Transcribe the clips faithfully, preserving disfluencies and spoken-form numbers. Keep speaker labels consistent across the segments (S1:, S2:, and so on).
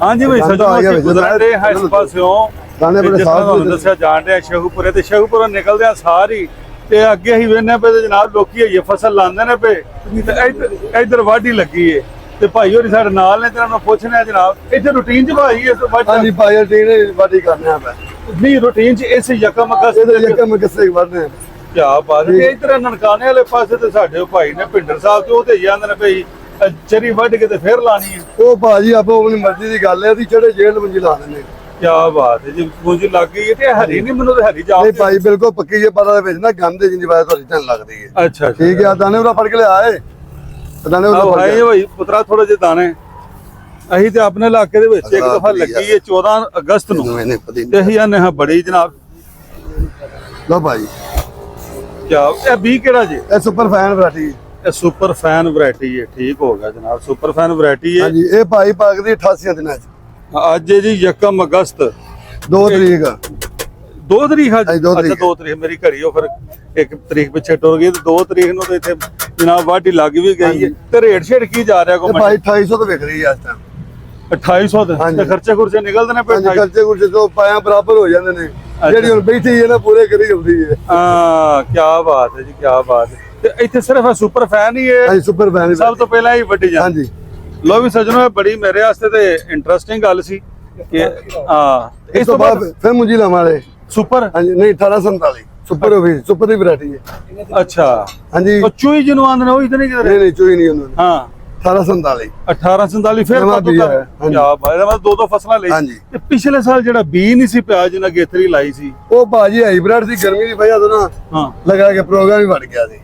S1: हाँ जी भाई सजनो गुजरते हैं इस पासों दसिया जान रहे शेखूपुरे ते शेखूपुरों निकलदे सारी ते अगे ही वेने पे जनाब लोकी ये फसल लांदे ने पे इधर वाढी लगी है ते भाई होरी साडे नाल ने तेरा पुछने है जनाब इथे रूटीन च भाई इस वाढी हां जी भाई रूटीन वाढी करने आ नहीं रूटीन च इस यकम अगस्त इधर यकम अगस्त से बढ़ने क्या बात है इधर ननकाने वाले पासे ते साडे भाई ने भिंडर साहब ते ओ ते जांदे ने भाई चरी वढ़ के फिर लानी है ओ भाजी आपो अपनी मर्जी की गल है चढ़े जेल मंजी ला देने क्या बात है जी पूंजी लग गई है ते हरी नहीं मनु ते हरी जाओ नहीं भाई बिल्कुल पक्की ये पता है ना गंद जिंदी बात थोड़ी टन लगदी है अच्छा ठीक है दाने उरा फड़ के ले आए दाने उरा फड़ के भाई पुत्रा थोड़ा जे दाने अही ते अपने इलाके दे विच एक दफा लगी है चौदह अगस्त नु ते अही आने हां बड़ी जनाब लो भाई क्या ए बी केड़ा जी ए super fan variety super fan variety है ठीक हो गया जनाब सुपर फैन वैरायटी है जी ये भाई पाक दी अठासी दिनां च आज जी यकम अगस्त दो तरीक दो तरीक अच्छा दो तरीक मेरी घड़ी हो फिर एक तरीक पिछे टुर गई दो तरीक नु तो इथे जनाब वाढी लग भी गई है ते रेट छेड़ की जा रहा को भाई अठाई सौ तो विक रही है इस टाइम अठाई सौ ते खर्चे खुर्चे निकलदे ने पे खर्चे खुर्चे तो पाया बराबर हो जांदे ने जेडी हुन बैठी है ना पूरे करी होंदी है हां क्या बात है जी क्या बात है इतने सिर्फ सुपर फैन ही है सुपर फैन सब तो पहला ही वड्डी जान हां जी लो भी सजनो बड़ी मेरे वास्ते ते इंटरेस्टिंग गल सी कि हां इस तो बाद फिर मुंजी लावाले सुपर हां जी नहीं अठारह सौ उनतालीस सुपर भी सुपर दी वैरायटी है अच्छा हां जी तो चूई जिनु आंदे ने ओ इतने किधर नहीं नहीं चूई नहीं उन्होंने हां अठारह सौ उनतालीस अठारह सौ उनतालीस फिर क्या भाई मैं दो दो फसलां ले ते पिछले साल जेड़ा बी नहीं सी पिया जिना गेथरी लाई सी ओ भाजी हाइब्रिड सी गर्मी दी वजह तो ना हां लगा के प्रोग्राम ही बढ़ गया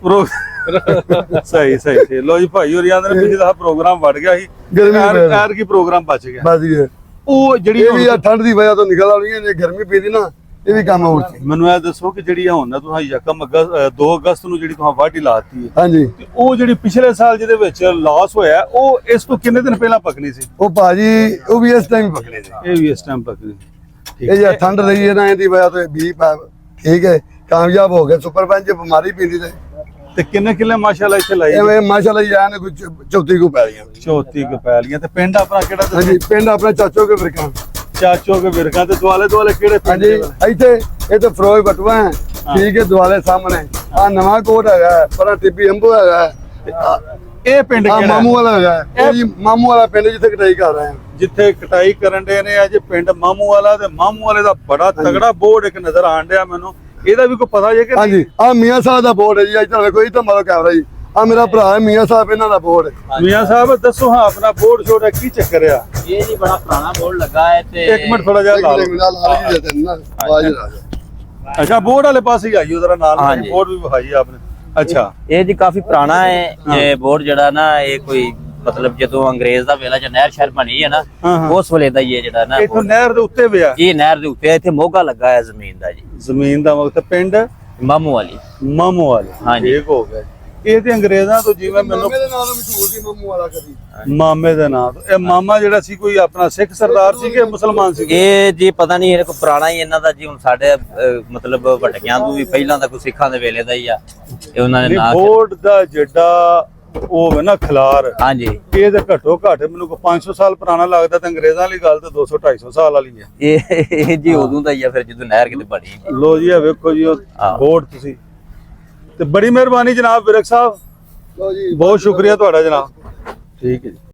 S1: सी सही सही सही लो जी भाई होरी आंदे ने पिछले प्रोग्राम बढ़ गया सी गर्मी यार की प्रोग्राम बच गया बच गया ओ जेड़ी ये भी ठंड दी वजह तो निकल आनी है गर्मी पीदी ना ਇਹ ਵੀ ਕੰਮ ਹੋਰ ਸੀ ਮੈਨੂੰ ਇਹ ਦੱਸੋ ਕਿ ਜਿਹੜੀ ਹੁਣ ਨਾ ਤੁਸੀਂ ਯਕਮ ਅਗਸਤ ਦੋ ਅਗਸਤ ਨੂੰ ਜਿਹੜੀ ਤੁਸੀਂ ਵਾਢੀ ਲਾਤੀ ਹੈ ਹਾਂਜੀ ਉਹ ਜਿਹੜੀ ਪਿਛਲੇ ਸਾਲ ਜਿਹਦੇ ਵਿੱਚ ਲਾਸ ਹੋਇਆ ਉਹ ਇਸ ਤੋਂ ਕਿੰਨੇ ਦਿਨ ਪਹਿਲਾਂ ਪਕਣੀ ਸੀ ਉਹ ਭਾਜੀ ਉਹ ਵੀ ਇਸ ਟਾਈਮ ਪਕਣੀ ਸੀ ਇਹ ਵੀ ਇਸ ਟਾਈਮ ਪਕਣੀ ਇਹ ਜੇ ਠੰਡ ਰਹੀ ਹੈ ਨਾ ਇਹਦੀ ਵਜ੍ਹਾ ਤੋਂ ਵੀ ਠੀਕ ਹੈ ਕਾਮਯਾਬ ਹੋ ਗਿਆ ਸੁਪਰ ਪੰਜ ਬਿਮਾਰੀ ਪੀਂਦੀ ਤੇ ਤੇ ਕਿੰਨੇ ਕਿੱਲੇ ਮਾਸ਼ਾਅੱਲਾ ਇੱਥੇ ਲਾਈ ਐਵੇਂ ਮਾਸ਼ਾਅੱਲਾ ਜਾਨ ਕੋਈ ਚੌਥੀ ਕੋ ਪੈ ਲੀਆਂ ਚੌਥੀ ਕੋ ਪੈ ਲੀਆਂ ਤੇ ਪਿੰਡ ਆਪਣਾ ਕਿਹੜਾ ਹਾਂਜੀ ਪਿੰਡ ਆਪਣਾ ਚਾਚੋ ਕੇ ਫਿਰਕਾਂ चाचो के बिरखा ते दुआले दुआले केड़े पिंड जी इथे ये तो फरोज बटवा है ठीक है दुआले सामने आ नवा कोट हैगा पर टिब्बी अंबू हैगा ए पिंड केड़ा मामू वाला हैगा ए जी मामू वाला पिंड जिथे कटाई कर रहे हैं जिथे कटाई करन दे ने अज पिंड मामू वाला ते मामू वाले दा बड़ा तगड़ा बोर्ड एक नजर आन दिया मेनू एदा भी कोई पता जे कि हां जी आ मियां साहब दा बोर्ड है जी इधर देखो इधर मारो कैमरा जी आ मेरा भरा है मियां साहब इन्हां दा बोर्ड मियां साहब दसो हां अपना बोर्ड छोड़ा की चक्कर है ये जी बड़ा पुराना बोर्ड लगा है ते एक मिनट थोड़ा जा ला लो अच्छा बोर्ड वाले पास ही आइयो जरा नाल बोर्ड भी दिखाइए आपने अच्छा ये जी काफी पुराना है ये बोर्ड जड़ा ना ये कोई मतलब ਜਦੋਂ ਅੰਗਰੇਜ਼ ਦਾ ਵੇਲਾ ਚ ਨਹਿਰ ਸ਼ਹਿਰ ਬਣੀ ਹੈ ਨਾ ਉਸ ਵੇਲੇ ਦਾ ਹੀ ਹੈ ਜਿਹੜਾ ਨਾ ਇਥੋਂ ਨਹਿਰ ਦੇ ਉੱਤੇ ਪਿਆ ਇਹ ਨਹਿਰ ਦੇ ਉੱਤੇ ਇੱਥੇ ਮੋਗਾ ਲੱਗਾ ਹੈ ਜ਼ਮੀਨ ਦਾ ਜੀ ਜ਼ਮੀਨ ਦਾ ਵਕਤ ਪਿੰਡ ਮਾਮੂ ਵਾਲੀ ਮਾਮੂ ਵਾਲੀ ਹਾਂ ਠੀਕ ਹੋ ਗਿਆ ਇਹ ਤੇ ਅੰਗਰੇਜ਼ਾਂ ਤੋਂ ਜਿਵੇਂ ਮੈਨੂੰ ਮਾਮੇ ਦੇ ਨਾਮ ਮਸ਼ਹੂਰ ਸੀ ਮਾਮੂ ਵਾਲਾ ਕਦੀ ਮਾਮੇ ਦੇ ਨਾਮ ਇਹ ਮਾਮਾ ਜਿਹੜਾ ਸੀ ਕੋਈ ਆਪਣਾ ਸਿੱਖ ਸਰਦਾਰ ਸੀ ਕਿ ਮੁਸਲਮਾਨ ਸੀ ਇਹ ਜੀ ਪਤਾ ਨਹੀਂ ਇਹ ਕੋਈ ਪੁਰਾਣਾ ਹੀ ਇਹਨਾਂ ਦਾ ਜੀ ਹੁਣ ਸਾਡੇ ਮਤਲਬ ਵਟਕਿਆਂ ਤੋਂ ਵੀ ਪਹਿਲਾਂ ਦਾ ਕੋਈ ਸਿੱਖਾਂ ਦੇ ਵੇਲੇ ਦਾ ਹੀ ਆ ਇਹ ਉਹਨਾਂ ਨੇ ਨਾਮ ਬੋਰਡ ਦਾ ਜਿਹੜਾ ਉਹ ਹੈ ਨਾ ਖਲਾਰ ਹਾਂਜੀ ਇਹ ਤੇ ਘੱਟੋ ਘੱਟ ਮੈਨੂੰ ਕੋਈ ਪੰਜ ਸੌ ਸਾਲ ਪੁਰਾਣਾ ਲੱਗਦਾ ਤੇ ਅੰਗਰੇਜ਼ਾਂ ਵਾਲੀ ਗੱਲ ਤੇ ਦੋ ਸੌ ਢਾਈ ਸੌ ਸਾਲ ਵਾਲੀ ਹੈ ਇਹ ਜੀ ਉਦੋਂ ਦਾ ਹੀ ਆ ਫਿਰ ਜਦੋਂ ਨਹਿਰ ਕਿਤੇ ਬਣੀ ਲੋ ਜੀ ਇਹ ਵੇਖੋ ਜੀ ਉਹ ਬੋਰਡ ਤੁਸੀਂ ਤੇ ਬੜੀ ਮਿਹਰਬਾਨੀ ਜਨਾਬ ਵਿਰਕ ਸਾਹਿਬ ਲੋ ਜੀ ਬਹੁਤ ਸ਼ੁਕਰੀਆ ਤੁਹਾਡਾ ਜਨਾਬ ਠੀਕ ਹੈ ਜੀ।